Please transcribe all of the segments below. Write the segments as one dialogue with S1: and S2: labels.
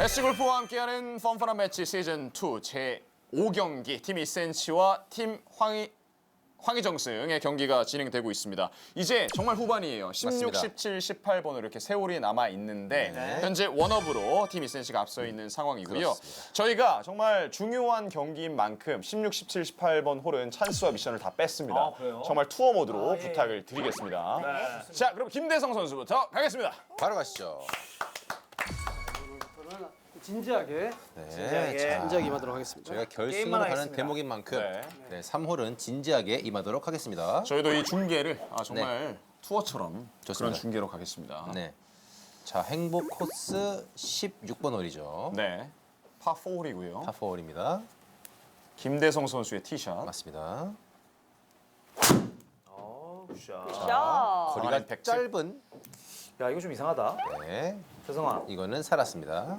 S1: S골프와 함께하는 펀펀한 매치 시즌 2 제 5경기 팀 이센치와 팀 황희정승의 경기가 진행되고 있습니다. 이제 정말 후반이에요. 16,
S2: 맞습니다.
S1: 17, 18번으로 이렇게 세월이 남아 있는데
S2: 네.
S1: 현재 원업으로 팀 이센치가 앞서 있는 상황이고요.
S2: 그렇습니다.
S1: 저희가 정말 중요한 경기인 만큼 16, 17, 18번 홀은 찬스와 미션을 다 뺐습니다.
S3: 아, 그래요?
S1: 정말 투어 모드로
S3: 예.
S1: 부탁을 드리겠습니다.
S3: 네.
S1: 자, 그럼 김대성 선수부터 가겠습니다.
S2: 바로 가시죠.
S3: 진지하게
S2: 네,
S3: 진지하게.
S2: 자,
S3: 진지하게 임하도록 하겠습니다.
S2: 저희가 결승으로
S3: 게임만
S2: 가는
S3: 하겠습니다.
S2: 대목인 만큼
S1: 네.
S2: 네, 3홀은 진지하게 임하도록 하겠습니다.
S1: 저희도 이 중계를 정말 투어처럼
S2: 좋습니다.
S1: 그런 중계로 가겠습니다.
S2: 네. 자, 행복 코스 16번 홀이죠.
S1: 네. 파4홀이고요.
S2: 파4홀입니다.
S1: 김대성 선수의 티샷.
S2: 맞습니다.
S3: 굿샷.
S4: 자,
S2: 거리가
S1: 가만히 백칠.
S2: 짧은
S3: 야 이거 좀 이상하다.
S2: 네,
S3: 세성아.
S2: 이거는 살았습니다.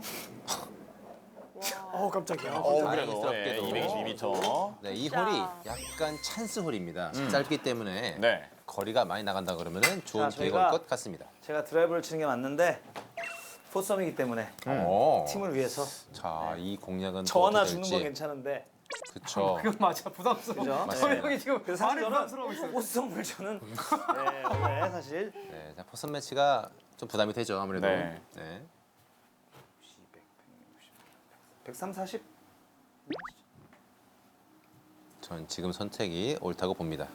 S3: 깜짝이야.
S1: 그래도
S2: 다행스럽게도.
S1: 222m.
S2: 네, 이
S4: 자.
S2: 홀이 약간 찬스 홀입니다. 짧기 때문에
S1: 네.
S2: 거리가 많이 나간다 그러면은 좋은
S3: 자,
S2: 기회가 올
S3: 저희가-
S2: 것 같습니다.
S3: 제가 드라이브를 치는 게 맞는데 포썸이기 때문에
S2: 오.
S3: 팀을 위해서
S2: 자, 이 공략은
S3: 저
S2: 또
S3: 하나
S2: 어떻게
S3: 주는 건
S2: 될지.
S3: 괜찮은데.
S2: 그쵸.
S5: 그건 맞아 부담스러워.
S3: 그죠?
S2: 맞습니다.
S3: 네.
S5: 형이 지금
S3: 그래서 사실
S5: 말이 부담스러워 있어.
S3: 저는 포썸을 저는 네, 원래 사실
S2: 네, 자, 포선 매치가 좀 부담이 되죠, 아무래도.
S1: 네.
S2: 네.
S3: 103, 40.
S2: 전 지금 선택이 옳다고 봅니다.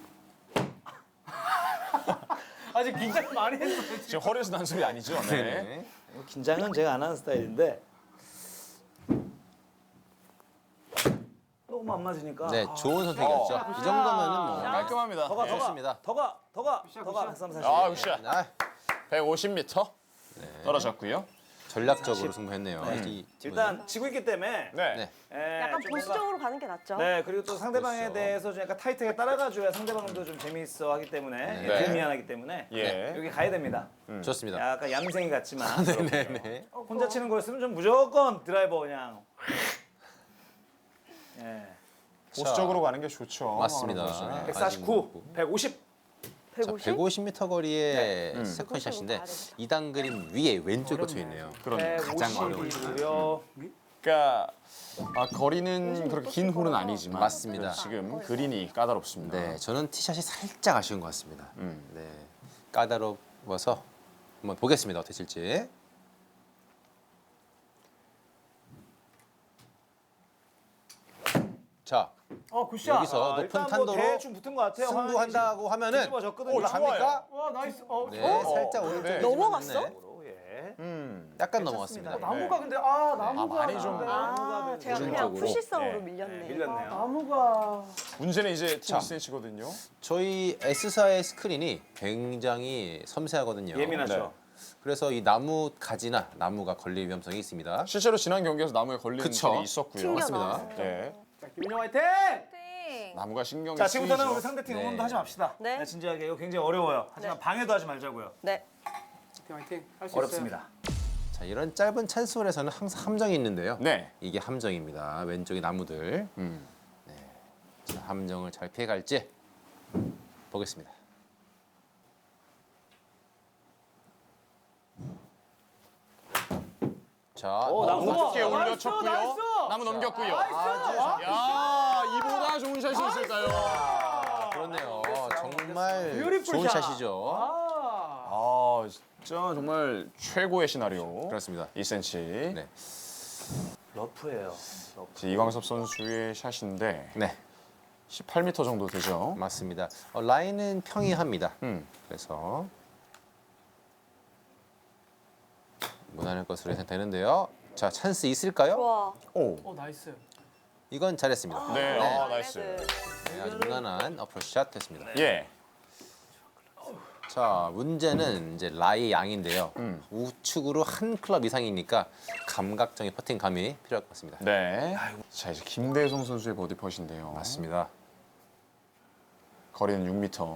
S5: 아직 긴장 많이 했어.
S1: 지금 허리에서 난 소리 아니죠? 네.
S2: 네.
S3: 긴장은 제가 안 하는 스타일인데 너무 안 맞으니까.
S2: 네, 좋은 선택이었죠. 이 정도면은 뭐
S1: 깔끔합니다.
S3: 더가
S1: 네.
S2: 좋습니다.
S3: 더가 103, 40.
S1: 아, 굿샷.
S2: 아,
S1: 150m 떨어졌고요.
S2: 전략적으로 승부했네요.
S1: 음.
S2: 이 팀은.
S3: 일단 지고 있기 때문에
S1: 네.
S2: 네.
S4: 약간
S3: 좀
S4: 보수적으로 가는 게 낫죠.
S3: 네, 그리고 또 상대방에
S2: 그렇죠.
S3: 대해서 좀 약간 타이트하게 따라가줘야 상대방도 좀 재미있어 하기 때문에
S1: 네.
S3: 미안하기 때문에
S1: 예.
S3: 여기 가야 됩니다.
S2: 좋습니다.
S3: 약간 얌생이 같지만
S2: 네네.
S3: 혼자 치는 거였으면 좀 무조건 드라이버 그냥. 예.
S1: 보수적으로 가는 게 좋죠.
S2: 맞습니다.
S1: 선수는.
S3: 149, 150.
S4: 150?
S2: 150m 거리의
S4: 음.
S2: 세컨샷인데
S4: 가야 되겠다.
S2: 2단 그림 위에 왼쪽에 꽂혀 있네요.
S1: 그런
S2: 가장 어려운
S3: 150이고요.
S1: 그러니까 거리는 그렇게 긴 홀은 아니지만
S2: 맞습니다.
S1: 지금 그린이 까다롭습니다.
S2: 네, 저는 티샷이 살짝 아쉬운 것 같습니다. 네, 까다로워서 한번 보겠습니다. 어떻게 칠지. 자,
S5: 굿샷.
S2: 여기서 높은
S3: 일단 뭐
S2: 탄도로
S3: 대충 붙은 것 같아요.
S2: 승부한다고 하면은
S3: 뒤집어졌거든요.
S2: 올라갑니까?
S5: 와 나이스.
S2: 네, 살짝 오른쪽에
S1: 네.
S4: 넘어갔어?
S2: 찌르는데
S3: 예.
S2: 약간
S3: 괜찮습니다.
S2: 넘어갔습니다.
S5: 나무가 근데 나무가
S1: 많이 좀-
S4: 아, 제가 그냥
S2: 오른쪽으로.
S4: 푸시성으로
S1: 네.
S4: 밀렸네.
S3: 밀렸네요.
S5: 나무가
S1: 문제는 이제 팀
S2: 자.
S1: 이센치거든요.
S2: 저희 S사의 스크린이 굉장히 섬세하거든요.
S3: 예민하죠.
S2: 그래서 이 나무 가지나 나무가 걸릴 위험성이 있습니다.
S1: 실제로 지난 경기에서 나무에 걸리는
S2: 그쵸.
S1: 일이 있었고요.
S4: 튕겨
S2: 맞습니다.
S4: 나왔어요.
S1: 네.
S5: 자, 김민영 화이팅.
S1: 나무가 신경이
S3: 자, 지금부터는
S1: 쓰이죠.
S3: 우리 상대팀
S2: 네.
S3: 응원도 하지 맙시다.
S4: 네.
S3: 네, 진지하게 이거 굉장히 어려워요. 하지만
S4: 네.
S3: 방해도 하지 말자고요.
S4: 네.
S5: 화이팅. 할 수 있어요.
S3: 어렵습니다.
S2: 자, 이런 짧은 찬스홀에서는 항상 함정이 있는데요.
S1: 네.
S2: 이게 함정입니다. 왼쪽에 나무들. 자, 함정을 잘 피해갈지 보겠습니다. 자,
S3: 오, 나무
S1: 높게
S3: 나이스,
S1: 올려쳤고요.
S5: 나이스!
S1: 나무 넘겼고요.
S5: 나이스!
S1: 야, 이보다 좋은 샷이 있을까요?
S2: 그렇네요. 정말
S5: 뷰티풀
S2: 좋은
S5: 샷.
S2: 샷이죠.
S5: 아.
S1: 진짜 정말 최고의 시나리오.
S2: 그렇습니다.
S1: 2cm.
S2: 네.
S3: 러프예요.
S1: 이광섭 선수의 샷인데
S2: 네,
S1: 18m 정도 되죠.
S2: 맞습니다. 라인은 평이합니다.
S1: 음.
S2: 그래서 무난할 것으로 예상되는데요. 자, 찬스 있을까요?
S4: 좋아.
S1: 오.
S5: 나이스.
S2: 이건 잘했습니다.
S1: 네.
S2: 네.
S1: 나이스.
S2: 네, 아주 무난한 어프로치샷 됐습니다.
S1: 예.
S2: 자, 문제는 이제 라이 양인데요.
S1: 음.
S2: 우측으로 한 클럽 이상이니까 감각적인 퍼팅감이 필요할 것 같습니다.
S1: 네. 자, 이제 김대성 선수의 버디 펫인데요.
S2: 맞습니다.
S1: 거리는 6m.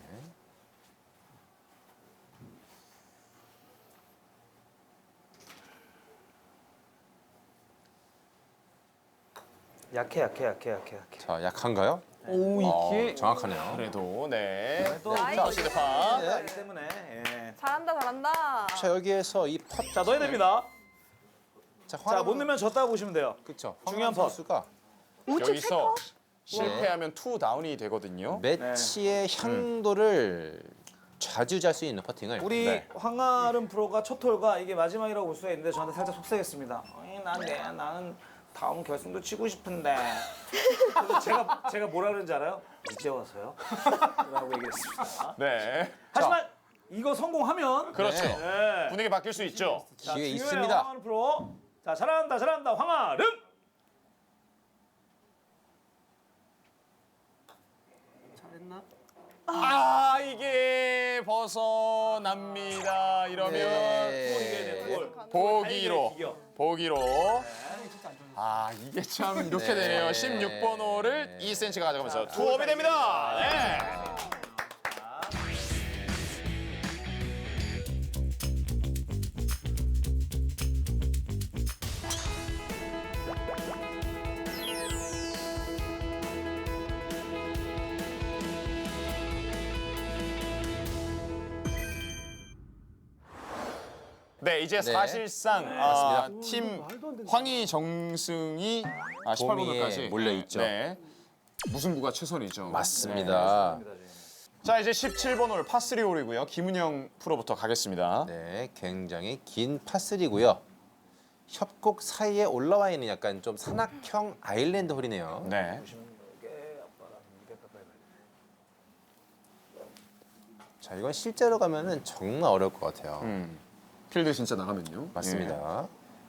S3: 약해.
S2: 자, 약한가요?
S5: 오 이게
S2: 정확하네요.
S1: 그래도 네.
S3: 또
S1: 자, 시드파.
S3: 하기 때문에. 예.
S4: 잘한다, 잘한다.
S2: 자, 여기에서 이 펫.
S3: 자, 넣어야 됩니다. 자, 못 넣으면 졌다고 보시면 돼요.
S2: 그렇죠.
S3: 중요한
S2: 황하름
S3: 펀.
S2: 선수가
S4: 우측
S1: 여기서
S4: 세컨?
S1: 실패하면 투 다운이 되거든요.
S2: 매치의 향도를 자주 잘 수 있는 퍼팅을
S3: 우리
S1: 네.
S3: 황아름 프로가 첫 홀가 이게 마지막이라고 볼 수가 있는데 저한테 살짝 속상했습니다. 나는 다음 결승도 치고 싶은데. 그래서 제가 뭐라 그런지 알아요? 이제 와서요? 라고 얘기했습니다.
S1: 네.
S3: 하지만 이거 성공하면
S1: 그렇죠.
S3: 네.
S1: 분위기 바뀔 수 있죠.
S3: 자,
S2: 기회
S3: 중요해요,
S2: 있습니다.
S3: 황아름 프로. 자, 잘한다 황아름.
S5: 잘했나?
S1: 아 이게 벗어납니다. 이러면
S2: 네.
S1: 보기로
S3: 이겨.
S1: 보기로. 아 이게 참 이렇게
S2: 네.
S1: 되네요. 16번 홀을 2cm가 가져가면서 투업이 됩니다. 네. 네, 이제
S2: 네.
S1: 사실상 팀 황희정승이 18번까지
S2: 몰려 있죠.
S1: 네. 무승부가 최선이죠.
S2: 맞습니다.
S1: 자, 이제 17번 홀 파3 홀이고요. 김은영 프로부터 가겠습니다.
S2: 네, 굉장히 긴 파3고요. 협곡 사이에 올라와 있는 약간 좀 산악형 아일랜드 홀이네요.
S1: 네.
S2: 자, 이건 실제로 가면은 정말 어려울 것 같아요.
S1: 필드 진짜 나가면요.
S2: 맞습니다.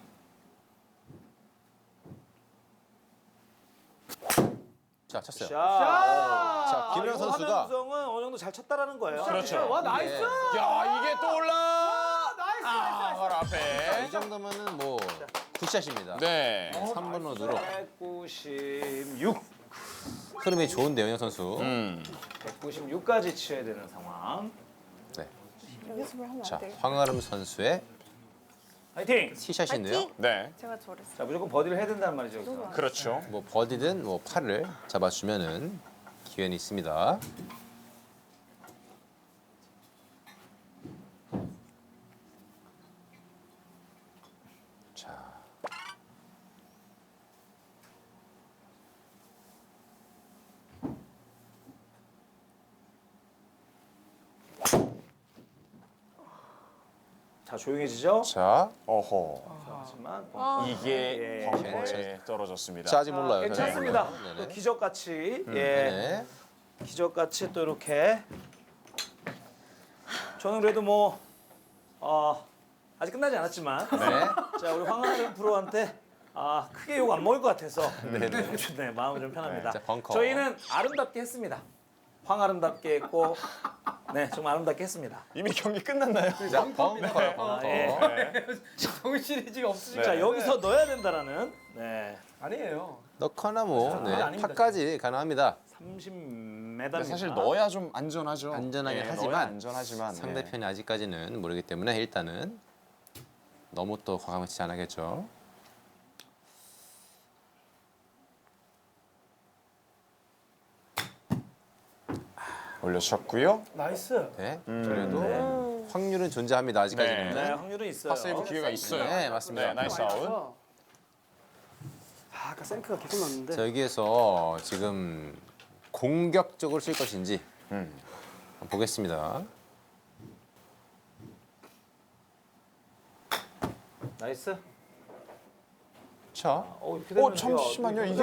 S2: 자, 쳤어요. 자, 김은영 선수가
S3: 구성은 어느 정도 잘 쳤다라는 거예요.
S1: 그렇죠.
S5: 와 나이스.
S1: 야, 이게 또 올라.
S5: 나이스.
S1: 바로 앞에.
S2: 이 정도면은 뭐 굿샷입니다.
S1: 네.
S2: 3번 홀으로
S3: 196.
S2: 흐름이 좋은데요, 은영 선수.
S3: 196까지 치어야 되는 상황.
S2: 네.
S4: 연습을 하면
S2: 자,
S4: 안 돼.
S2: 황아름 선수의
S3: 화이팅!
S2: 티샷인데요.
S4: 파이팅!
S1: 네.
S4: 제가 저랬어.
S3: 자, 무조건 버디를 해야 된다는 말이죠. 여기서.
S1: 그렇죠.
S2: 뭐 버디든 뭐 팔을 잡아주면은 기회는 있습니다. 자,
S3: 자, 조용해지죠?
S2: 자,
S1: 어허.
S3: 하지만
S1: 이게
S3: 예.
S1: 벙커에 떨어졌습니다.
S2: 자 아직 몰라요.
S3: 괜찮습니다.
S2: 저는.
S3: 또
S2: 네네.
S3: 기적같이 예,
S2: 네.
S3: 기적같이 또 이렇게 저는 그래도 뭐 아직 끝나지 않았지만
S2: 네.
S3: 자 우리 황하름 프로한테 크게 욕 안 먹을 것 같아서
S2: 네네.
S3: 네, 마음이 좀 편합니다.
S2: 자, 벙커.
S3: 저희는 아름답게 했습니다. 황아름답게 했고 네 정말 아름답게 했습니다.
S1: 이미 경기 끝났나요?
S2: 자, 벙커요, 벙커.
S3: 예.
S5: 정신이 지금 없으시죠?
S3: 자 여기서 넣어야 된다라는 네
S5: 아니에요.
S2: 넣거나 뭐 네,
S5: 아닙니다.
S2: 파까지 가능합니다.
S3: 30m입니다.
S1: 근데 사실 넣어야 좀 안전하죠.
S2: 안전하긴
S1: 네,
S2: 하지만
S1: 넣어야 안전하지만 네.
S2: 상대편이 아직까지는 모르기 때문에 일단은 너무 또 과감히 치지 않겠죠.
S1: 올려주셨고요.
S5: 나이스.
S2: 네. 그래도 확률은 존재합니다. 아직까지는.
S3: 네 확률은 있어요.
S1: 파세이브 기회가 있어요.
S2: 네, 맞습니다.
S1: 네, 나이스 아웃.
S5: 아까 생크가 계속 났는데.
S2: 자, 여기에서 지금 공격적으로 칠 것인지 한번 보겠습니다.
S3: 나이스.
S2: 자,
S3: 이렇게 되면
S1: 잠시만요, 이게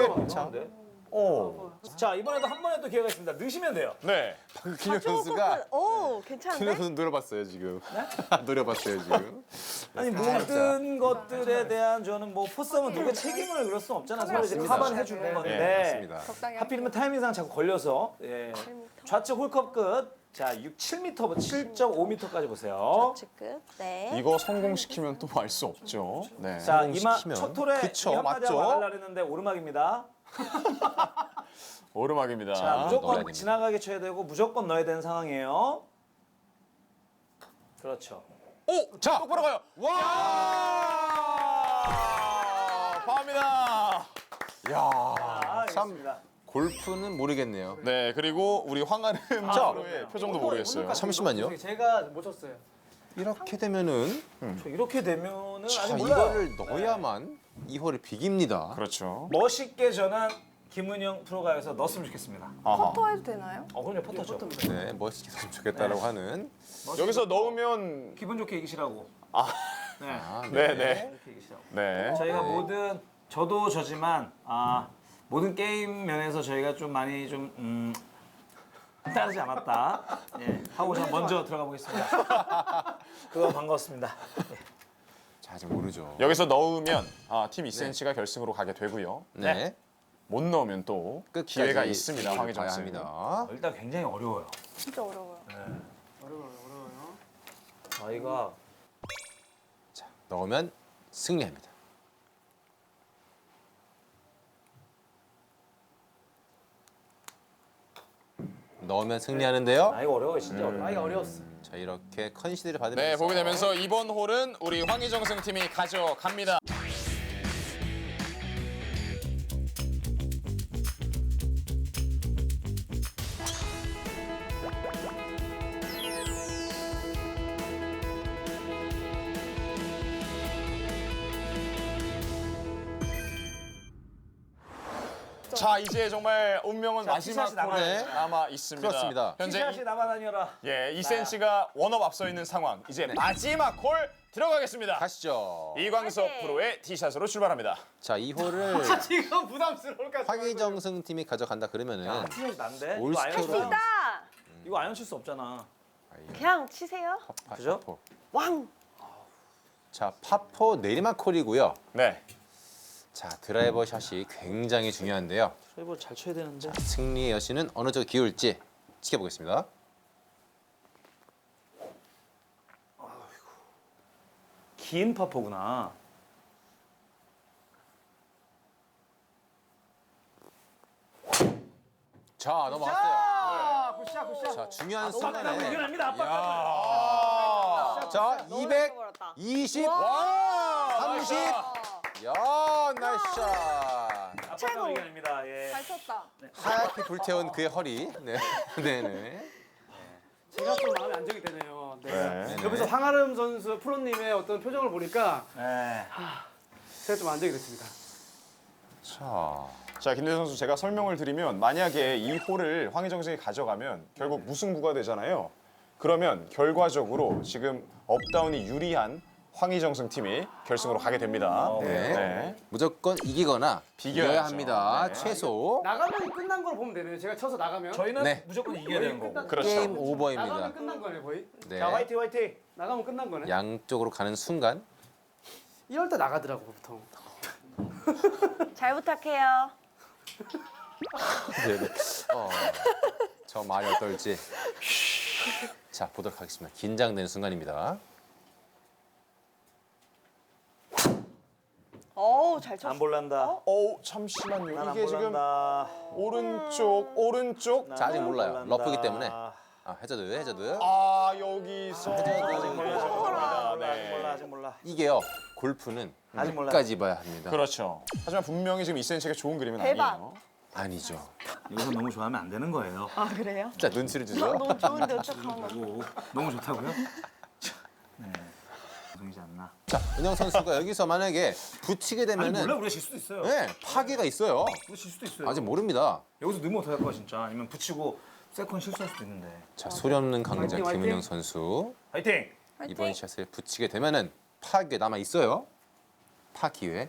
S3: 자 이번에도 한 번에 또 기회가 있습니다. 넣으시면 돼요.
S1: 네.
S2: 김현 선수가
S4: 오, 괜찮은데?
S2: 김현 선수 노려봤어요 지금. 노려봤어요 지금.
S3: 아니 모든 것들에 대한 저는 뭐 포스하면 누가 책임을 그럴 수는 없잖아요. 서로 이제
S2: 맞습니다.
S3: 카바는 해주는
S2: 네,
S3: 건데
S2: 맞습니다.
S4: 적당히
S3: 하필이면 타이밍상 자꾸 걸려서 예. 좌측 홀컵 끝. 자 7m, 7.5m까지 보세요.
S4: 좌측 끝. 네.
S1: 이거 성공시키면 또 알 수 없죠. 네.
S3: 자
S2: 성공시키면.
S3: 첫 홀에
S2: 그쵸,
S3: 이 한마디 하고
S2: 맞죠?
S3: 나가려 했는데 오르막입니다.
S1: 오르막입니다.
S3: 자
S2: 넣어야
S3: 무조건
S2: 됩니다.
S3: 지나가게 쳐야 되고 무조건 넣어야 되는 상황이에요. 그렇죠.
S1: 오! 자! 똑바로 가요. 와! 파입니다.
S2: 참.
S3: 있습니다.
S2: 골프는 모르겠네요.
S1: 네, 그리고 우리 황아름 프로의 표정도 모르겠어요.
S2: 잠시만요.
S5: 제가 못 쳤어요.
S2: 이렇게 되면은
S3: 저 이렇게 되면은 아직
S2: 자,
S3: 몰라요.
S2: 이거를 넣어야만 이 홀을 비깁니다.
S1: 그렇죠.
S3: 멋있게 전한 김은영 프로가에서 넣었으면 좋겠습니다.
S1: 아하.
S4: 퍼터 해도 되나요?
S3: 그럼요, 퍼터죠.
S2: 네, 멋있게 했으면 좋겠다라고 하는.
S1: 여기서 넣으면
S3: 기분 좋게 이기시라고. 네.
S2: 아,
S1: 네네.
S3: 이렇게 이기시라고.
S1: 네.
S3: 저희가 모든 저도 저지만 모든 게임 면에서 저희가 좀 많이 좀 따르지 않았다. 예, 하고 저 먼저 들어가 보겠습니다. 그거 반갑습니다.
S2: 자, 아직 모르죠.
S1: 여기서 넣으면 팀 2cm가 결승으로 가게 되고요.
S2: 네.
S1: 못 넣으면 또
S2: 끝까지
S1: 기회가 있습니다.
S2: 봐야
S1: 황희정 씨.
S2: 합니다.
S3: 일단 굉장히 어려워요.
S4: 진짜 어려워요.
S5: 어려워요.
S3: 저희가
S2: 자, 넣으면 승리합니다. 넣으면 승리하는데요.
S3: 이거 어려워요, 진짜 어려워.
S5: 나이가 어려웠어.
S2: 자, 이렇게 컨시드를 받으면서
S1: 네, 보게 되면서 이번 홀은 우리 황희정승 팀이 가져갑니다. 자, 이제 정말 운명은
S3: 자,
S1: 마지막
S3: 티샷이 남아요.
S1: 홀에
S2: 네.
S1: 남아 있습니다.
S2: 그렇습니다.
S1: 현재
S3: 티샷이 남아다녀라.
S1: 2cm가 원업 앞서 있는 상황. 이제 마지막 홀 들어가겠습니다.
S2: 가시죠.
S1: 이광석
S4: 화이팅!
S1: 프로의 티샷으로 출발합니다.
S2: 자, 이 홀을
S5: 지금 부담스러울까?
S2: 황희정승 팀이 가져간다 그러면은
S3: 티샷이 난데?
S2: 올
S3: 이거 아이언
S2: 스코어로
S3: 칠-
S4: 나
S3: 이거 아이언 칠 수 없잖아.
S4: 그냥 치세요.
S3: 그죠?
S2: 파포.
S4: 왕.
S2: 자, 파포 내리막 홀이고요.
S1: 네.
S2: 자, 드라이버 샷이 굉장히 중요한데요.
S3: 저희보다 잘 쳐야 되는데.
S2: 승리의 여신은 어느 쪽에 기울지 지켜보겠습니다.
S3: 긴 파포구나.
S2: 자, 넘어갔어요.
S5: 아, 굿샷, 굿샷.
S2: 자, 중요한
S3: 압박감을
S2: 순간에
S3: 이겨냅니다. 압박감.
S1: 야.
S2: 자,
S4: 너무
S2: 200,
S4: 버렸다.
S2: 20,
S1: 와!
S2: 30. 야, 나이스 샷.
S3: 압박감을
S4: 최고.
S3: 이겨냅니다. 예.
S4: 잘 쳤다.
S2: 하얗게 불태운 그의 허리. 네. 네네.
S5: 제가 좀 마음이 안정이 되네요. 네.
S1: 네.
S5: 옆에서 황아름 선수 프로님의 어떤 표정을 보니까
S3: 네.
S5: 제가 좀 안정이 됐습니다.
S2: 자,
S1: 자, 김대현 선수 제가 설명을 드리면 만약에 이 홀을 황희정 선수가 가져가면 결국 무승부가 되잖아요. 그러면 결과적으로 지금 업다운이 유리한 황희정승 팀이 결승으로 가게 됩니다.
S2: 네.
S1: 네.
S2: 무조건 이기거나
S1: 비겨야죠.
S2: 비겨야 합니다.
S1: 네.
S2: 최소
S5: 나가면 끝난 걸 보면 되네요. 제가 쳐서 나가면.
S3: 저희는
S2: 네.
S3: 무조건 이겨야 되는 거고.
S1: 그렇죠.
S2: 게임
S5: 나가면
S2: 오버입니다.
S5: 끝난 거네 거의.
S2: 네.
S3: 자, 화이팅 화이팅.
S5: 나가면 끝난 거네.
S2: 양쪽으로 가는 순간
S5: 이럴 때 나가더라고 보통.
S4: 잘 부탁해요.
S2: 네네. 저 말이 어떨지. 자, 보도록 하겠습니다. 긴장되는 순간입니다.
S4: 어우 잘 쳤어.
S3: 안 볼란다.
S1: 잠시만요.
S3: 난 안
S1: 이게 지금
S3: 볼란다.
S1: 오른쪽.
S2: 자, 아직 몰라요.
S3: 볼란다.
S2: 러프기 때문에. 해저드.
S1: 아, 여기서
S3: 아직 몰라.
S1: 네.
S3: 아직 몰라.
S2: 이게요. 골프는
S3: 아직 몰라.
S2: 끝까지 봐야 합니다.
S1: 그렇죠. 하지만 분명히 지금 2cm가 좋은 그림은
S4: 대박.
S1: 아니에요.
S2: 아니죠.
S3: 여기서 너무 좋아하면 안 되는 거예요.
S4: 아 그래요?
S2: 자, 눈치를 주죠.
S4: 너무 좋은데 어떡하나.
S3: 오, 너무 좋다고요? 네. 방송이지 않나?
S2: 자, 은영 선수가 여기서 만약에 붙이게
S3: 아니
S2: 되면은
S3: 몰라, 우리가 질 수도 있어요.
S2: 네, 파괴가 있어요.
S3: 우리가 질 수도 있어요.
S2: 아직 모릅니다.
S3: 여기서 넣으면 어떡할 거야 진짜. 아니면 붙이고 세컨 실수할 수도 있는데.
S2: 자, 소리 없는 강자
S5: 화이팅, 화이팅.
S2: 김은영 선수.
S3: 화이팅!
S2: 이번 샷을 붙이게 되면은 파괴 남아 있어요. 파 기회.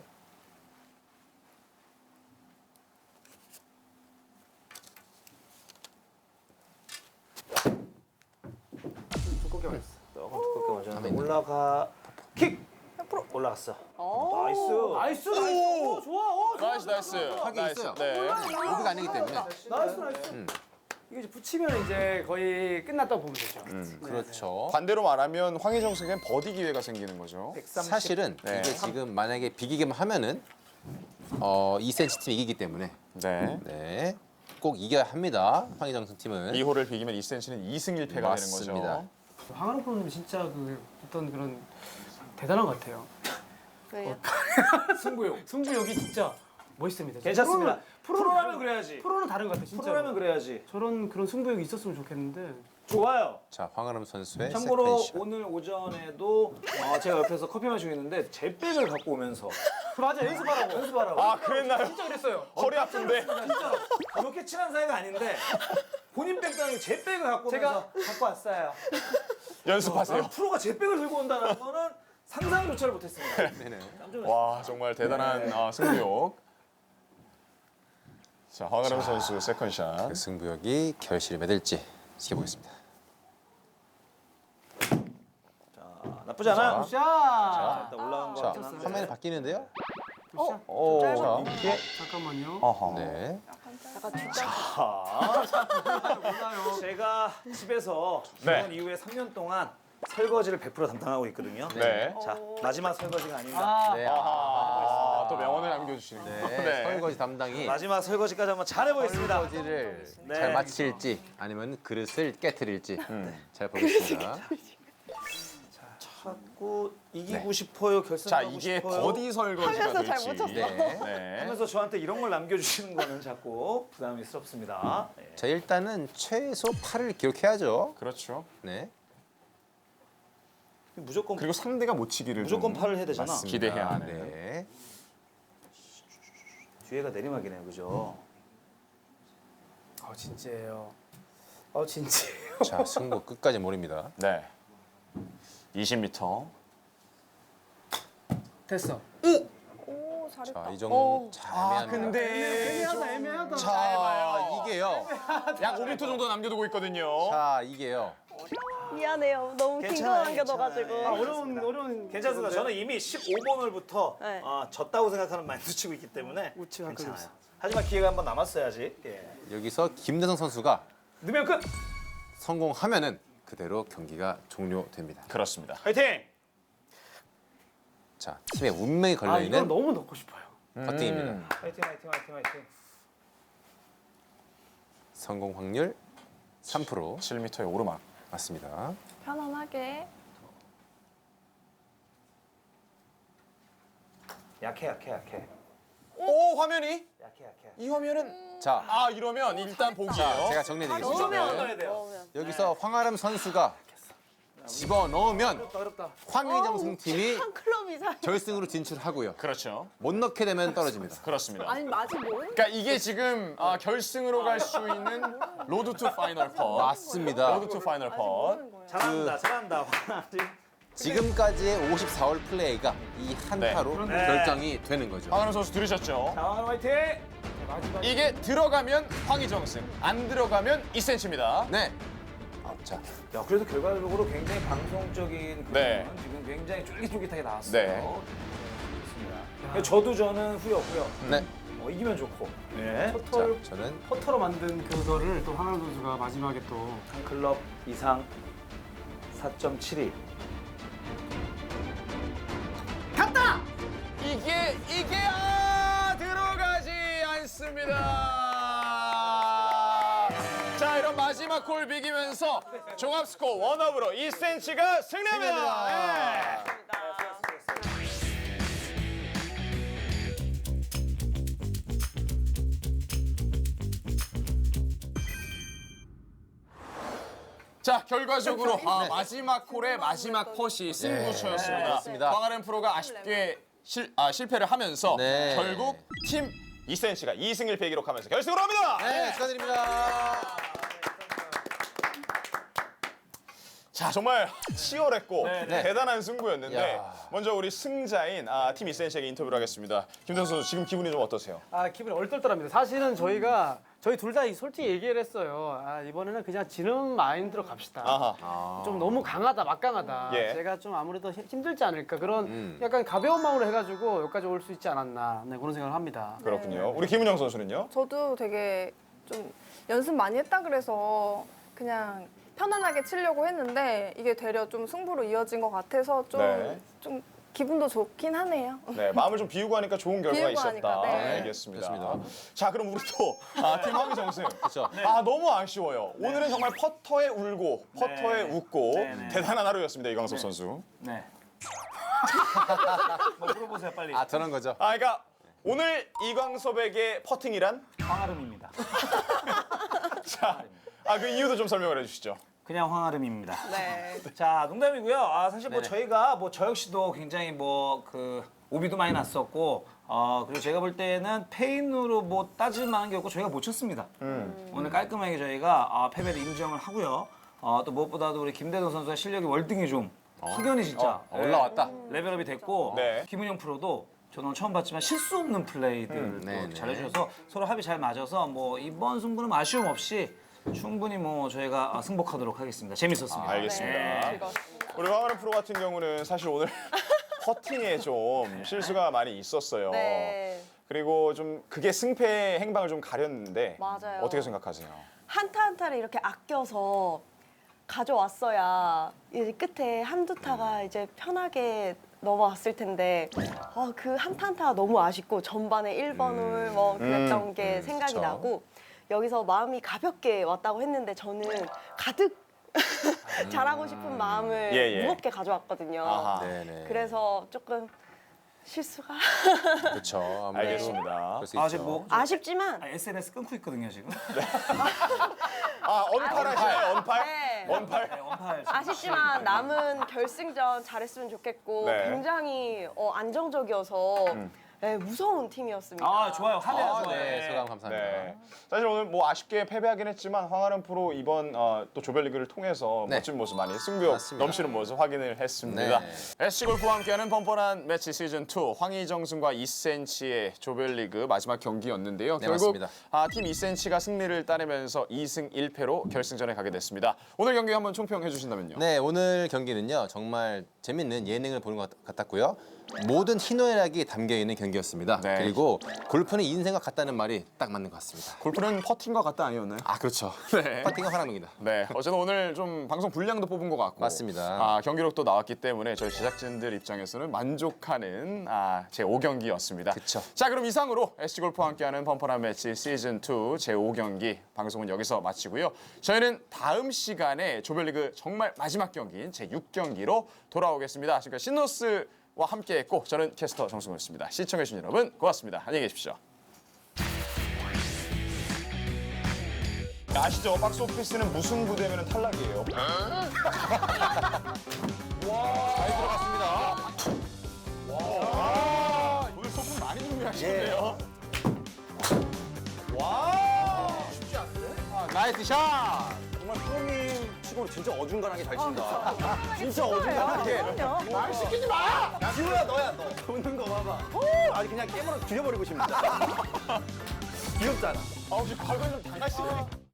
S5: 두껍게 맞았어.
S3: 조금 두껍게
S2: 가만히
S3: 맞았는데
S2: 있네.
S3: 올라가 킥! 올라갔어.
S4: 어.
S3: 나이스.
S5: 나이스. 오, 좋아.
S1: 나이스.
S2: 파괴
S1: 나이스.
S2: 있어요.
S1: 네.
S2: 오비가 아니기 때문에.
S5: 나이스. 이게 이제 붙이면 이제 거의 끝났다고 보면 되죠.
S2: 그렇죠.
S1: 반대로 말하면 황희정 선수에겐 버디 기회가 생기는 거죠.
S3: 130.
S2: 사실은
S1: 네.
S2: 이게 지금 만약에 비기기만 하면은 2cm 팀이 이기기 때문에
S1: 네.
S2: 네. 꼭 이겨야 합니다. 황희정승 팀은.
S1: 이 홀을 비기면 2cm는 2승 1패가 되는
S2: 맞습니다.
S1: 거죠.
S5: 황아름 프로님 진짜 그 어떤 그런 대단한 것 같아요.
S4: 왜요?
S5: 승부욕이 진짜 멋있습니다.
S3: 괜찮습니다.
S5: 프로는
S3: 프로라면 그래야지.
S5: 프로는 다른 것 같아 진짜.
S3: 프로라면 그래야지.
S5: 저런 그런 승부욕이 있었으면 좋겠는데
S3: 좋아요.
S2: 자, 황아름 선수의
S3: 참고로
S2: 세컨샷.
S3: 오늘 오전에도 제가 옆에서 커피 마시고 있는데 제 백을 갖고 오면서
S5: 맞아, 연습하라고.
S1: 아 그랬나요?
S5: 진짜 그랬어요.
S1: 허리 아픈데.
S3: 진짜 그렇게 친한 사이가 아닌데 본인 백도 아니고 제 백을 갖고 오면서 갖고 왔어요.
S1: 연습하세요.
S3: 프로가 제 백을 들고 온다는 거는 상상조차를 못했습니다.
S2: 네네.
S3: 깜짝 놀랐어요.
S1: 와 정말 대단한 승부욕. 자 황아름 선수 세컨샷.
S2: 그 승부욕이 결실을 맺을지 지켜보겠습니다.
S3: 나쁘지 않아요.
S5: 샷.
S3: 일단 올라간 거
S2: 자,
S3: 같긴 한데.
S2: 화면이 바뀌는데요?
S1: 오,
S4: 짧아.
S1: 자, 이게
S5: 잠깐만요.
S1: 어허.
S2: 네.
S4: 약간 뒷장.
S3: 제가 집에서
S1: 네.
S3: 결혼 이후에 3년 동안 설거지를 100% 담당하고 있거든요.
S1: 네.
S3: 자 마지막 설거지가 아닙니다.
S5: 아,
S2: 네.
S1: 아, 또 명언을 남겨주시네요.
S2: 네. 설거지 담당이
S3: 마지막 설거지까지 한번 잘해보겠습니다.
S2: 설거지를
S3: 네.
S2: 잘 마칠지 아니면 그릇을 깨트릴지 잘 보겠습니다.
S3: 자꾸 이기고 싶어요.
S1: 자
S3: 결승하고
S1: 이게
S3: 싶어요.
S1: 버디 설거지가
S4: 하면서 잘
S1: 될지.
S4: 못 쳤어.
S2: 네.
S1: 네.
S3: 하면서 저한테 이런 걸 남겨주시는 거는 자꾸 부담스럽습니다. 예.
S2: 자, 일단은 최소 8을 기록해야죠.
S1: 그렇죠.
S2: 네.
S3: 무조건
S1: 그리고 상대가 못 치기를
S3: 무조건
S1: 좀
S3: 팔을 해야 되잖아.
S1: 맞습니다. 기대해야 하는.
S2: 네.
S3: 뒤에가 내리막이네요, 그죠?
S5: 진짜예요. 진짜예요.
S2: 자, 승부 끝까지 모릅니다.
S1: 네. 20m.
S5: 됐어.
S4: 오 잘했다.
S2: 자, 이 정도 잘
S1: 아
S2: 애매합니다.
S1: 근데
S5: 애매하다.
S2: 자, 이게요.
S1: 약 5m 정도 남겨두고 있거든요.
S2: 자, 이게요.
S4: 미안해요. 너무 긴 거
S3: 괜찮아요,
S4: 남겨둬가지고.
S3: 괜찮아요.
S5: 어려운
S3: 괜찮습니다. 저는 이미 15번을부터
S4: 네.
S3: 졌다고 생각하는 마인드 치고 있기 때문에
S5: 우측 한
S3: 괜찮아요.
S5: 끗.
S3: 하지만 기회가 한 번 남았어야지. 예.
S2: 여기서 김대성 선수가
S3: 넣으면 끝.
S2: 성공하면은 그대로 경기가 종료됩니다.
S1: 그렇습니다.
S3: 화이팅!
S2: 자, 팀의 운명이 걸려
S5: 이건
S2: 있는
S5: 너무 넣고 싶어요.
S2: 퍼팅입니다.
S3: 화이팅, 화이팅, 화이팅, 화이팅.
S2: 성공 확률 3%
S1: 7m의 오르막.
S2: 맞습니다.
S4: 편안하게.
S3: 약해, 약해, 약해.
S1: 오 화면이
S3: 약해, 약해.
S1: 이 화면은
S2: 자,
S1: 이러면 일단
S2: 자,
S1: 보기예요.
S2: 제가 정리해드리겠습니다.
S3: 넣으면 넣어야 돼요.
S4: 넣으면.
S2: 여기서 황아름 선수가 집어넣으면
S5: 어렵다.
S2: 황의정 팀이
S4: 한 클럽 이상.
S2: 결승으로 진출하고요.
S1: 그렇죠.
S2: 못 넣게 되면 떨어집니다.
S1: 그렇습니다.
S4: 아니 아직 모르는.
S1: 그러니까 이게 지금 결승으로 갈 수 있는 로드 투 파이널 컷.
S2: 맞습니다.
S1: 로드 투 파이널
S4: 아직
S1: 컷.
S4: 모르는 거예요.
S3: 잘한다, 잘한다.
S2: 지금까지의 54홀 플레이가 이 한타로
S3: 네.
S2: 결정이 되는 거죠.
S1: 황하름 선수 들으셨죠?
S3: 자, 화이팅!
S1: 이게 들어가면 황희정승, 안 들어가면 2cm입니다.
S2: 네. 자,
S3: 야, 그래도 결과적으로 굉장히 방송적인 그런
S1: 네.
S3: 지금 굉장히 쫄깃쫄깃하게 나왔어요.
S1: 네.
S3: 좋습니다. 저도 후회 없고요.
S2: 네.
S3: 이기면 좋고. 네.
S2: 자,
S5: 털
S2: 저는
S5: 퍼터로 만든 그거를 또 황하람 선수가 마지막에 또
S3: 한 클럽 이상 4.72.
S1: 이게 들어가지 않습니다. 자, 이런 마지막 콜 비기면서 종합 스코어 원업으로 2cm가 승리합니다. 네. 자, 결과적으로 마지막 콜의 마지막 컷이 승부처였습니다.
S2: 그렇습니다.
S1: 황아름 프로가 아쉽게 실패를 하면서
S2: 네.
S1: 결국 팀 2cm가 2승 1패 기록하면서 결승으로 합니다.
S2: 네, 축하드립니다.
S1: 자, 정말 치열했고
S2: 네.
S1: 대단한 승부였는데
S2: 야.
S1: 먼저 우리 승자인 팀 2cm에게 인터뷰를 하겠습니다. 김선수 선수 지금 기분이 좀 어떠세요?
S5: 기분이 얼떨떨합니다. 사실은 저희 둘 다 솔직히 얘기를 했어요. 이번에는 그냥 지는 마인드로 갑시다.
S1: 아하.
S5: 좀 너무 강하다, 막강하다.
S1: 예.
S5: 제가 좀 아무래도 힘들지 않을까 그런 약간 가벼운 마음으로 해가지고 여기까지 올 수 있지 않았나 그런 생각을 합니다.
S1: 그렇군요. 우리 김은영 선수는요?
S6: 저도 되게 좀 연습 많이 했다 그래서 그냥 편안하게 치려고 했는데 이게 되려 좀 승부로 이어진 것 같아서 좀,
S1: 네.
S6: 좀 기분도 좋긴 하네요.
S1: 네, 마음을 좀 비우고 하니까 좋은 결과가
S6: 비우고
S1: 있었다.
S6: 하니까, 네.
S1: 알겠습니다.
S2: 좋습니다.
S1: 자, 그럼 우리 또 팀 황희정승.
S2: 그렇죠.
S1: 너무 아쉬워요. 오늘은 정말 퍼터에 울고 퍼터에 웃고
S3: 네.
S1: 대단한 하루였습니다, 이광섭 선수.
S3: 네. 뭐 물어보세요, 빨리.
S2: 저런 거죠.
S1: 그러니까 오늘 이광섭에게 퍼팅이란?
S3: 황아름입니다.
S1: 자, 그 이유도 좀 설명을 해주시죠.
S3: 그냥 황아름입니다.
S6: 네.
S3: 자, 농담이고요. 아, 사실 뭐
S2: 네네.
S3: 저희가 뭐 저 역시도 굉장히 뭐 그 오비도 많이 났었고, 그리고 제가 볼 때는 페인으로 뭐 따질 만한 게 없고 저희가 못 쳤습니다. 오늘 깔끔하게 저희가 패배를 인정을 하고요. 또 무엇보다도 우리 김대동 선수의 실력이 월등히 좀 확연히 진짜
S2: 올라왔다.
S3: 레벨업이 됐고,
S1: 네.
S3: 김은영 프로도 저는 처음 봤지만 실수 없는 플레이들
S2: 네네.
S3: 잘해주셔서 서로 합이 잘 맞아서 뭐 이번 승부는 아쉬움 없이 충분히 뭐 저희가 승복하도록 하겠습니다. 재밌었습니다.
S1: 알겠습니다.
S3: 네.
S6: 즐거웠습니다.
S1: 우리 황아름 프로 같은 경우는 사실 오늘 퍼팅에 좀 실수가 많이 있었어요.
S4: 네.
S1: 그리고 좀 그게 승패 행방을 좀 가렸는데
S4: 맞아요.
S1: 어떻게 생각하세요?
S4: 한타 한타를 이렇게 아껴서 가져왔어야 이제 끝에 한두 타가 이제 편하게 넘어왔을 텐데 그 한타 한타가 너무 아쉽고 전반에 1번을 뭐 그랬던 게 생각이
S1: 그쵸.
S4: 나고 여기서 마음이 가볍게 왔다고 했는데 저는 가득 잘하고 싶은 마음을
S1: 예, 예.
S4: 무겁게 가져왔거든요.
S1: 아하.
S2: 네네.
S4: 그래서 조금 실수가
S2: 그렇죠. 아무래도
S1: 알겠습니다.
S2: 그럴 수
S3: 아,
S2: 있죠.
S3: 지금 뭐
S4: 아쉽지만
S3: SNS 끊고 있거든요 지금.
S1: 언팔 하시나요? 언팔?
S4: 네.
S1: 언팔?
S3: 네, 원팔.
S4: 아쉽지만 남은 결승전 잘했으면 좋겠고
S1: 네.
S4: 굉장히 안정적이어서 네, 무서운 팀이었습니다.
S3: 아, 좋아요. 하네요. 좋아요.
S2: 네, 소감 감사합니다.
S1: 네. 사실 오늘 뭐 아쉽게 패배하긴 했지만 황아름 프로 이번 또 조별리그를 통해서
S2: 네.
S1: 멋진 모습 많이 승부욕
S2: 맞습니다.
S1: 넘치는 모습 확인을 했습니다.
S2: 네.
S1: SC골프와 함께하는 뻔뻔한 매치 시즌2 황희정승과 2cm의 조별리그 마지막 경기였는데요.
S2: 네,
S1: 결국
S2: 맞습니다.
S1: 팀 2cm가 승리를 따내면서 2승 1패로 결승전에 가게 됐습니다. 오늘 경기 한번 총평해 주신다면요.
S2: 네, 오늘 경기는요. 정말 재밌는 예능을 보는 것 같았고요. 모든 희노애락이 담겨있는 경기였습니다.
S1: 네.
S2: 그리고 골프는 인생과 같다는 말이 딱 맞는 것 같습니다.
S1: 골프는 퍼팅과 같다 아니었나요?
S2: 아, 그렇죠.
S1: 네.
S2: 퍼팅은 화랑입니다.
S1: 네, 어쨌든 오늘 좀 방송 분량도 뽑은 것 같고
S2: 맞습니다.
S1: 경기록도 나왔기 때문에 저희 제작진들 입장에서는 만족하는 제 5경기였습니다.
S2: 그쵸.
S1: 자, 그럼 이상으로 SC골프와 함께하는 뻔뻔한 매치 시즌2 제 5경기 방송은 여기서 마치고요. 저희는 다음 시간에 조별리그 정말 마지막 경기인 제 6경기로 돌아오겠습니다. 지금까지 신노스와 함께했고 저는 캐스터 정승호였습니다. 시청해주신 여러분 고맙습니다. 안녕히 계십시오. 아시죠? 박스 오피스는 무승부 되면 탈락이에요. 와, 잘 들어갔습니다. 와, 오늘 소품 많이 준비하시네요. 와, 쉽지 않네.
S2: 나이스 샷!
S7: 정말 프로님 치고는 진짜 어중간하게 잘 친다. 진짜 어중간하게. 말 시키지 마! 지우야 너야 너. 웃는 거 봐봐. 아니 그냥 깨물어 죽여버리고 싶다. 귀엽잖아.
S1: 혹시 발광 좀 당하시네.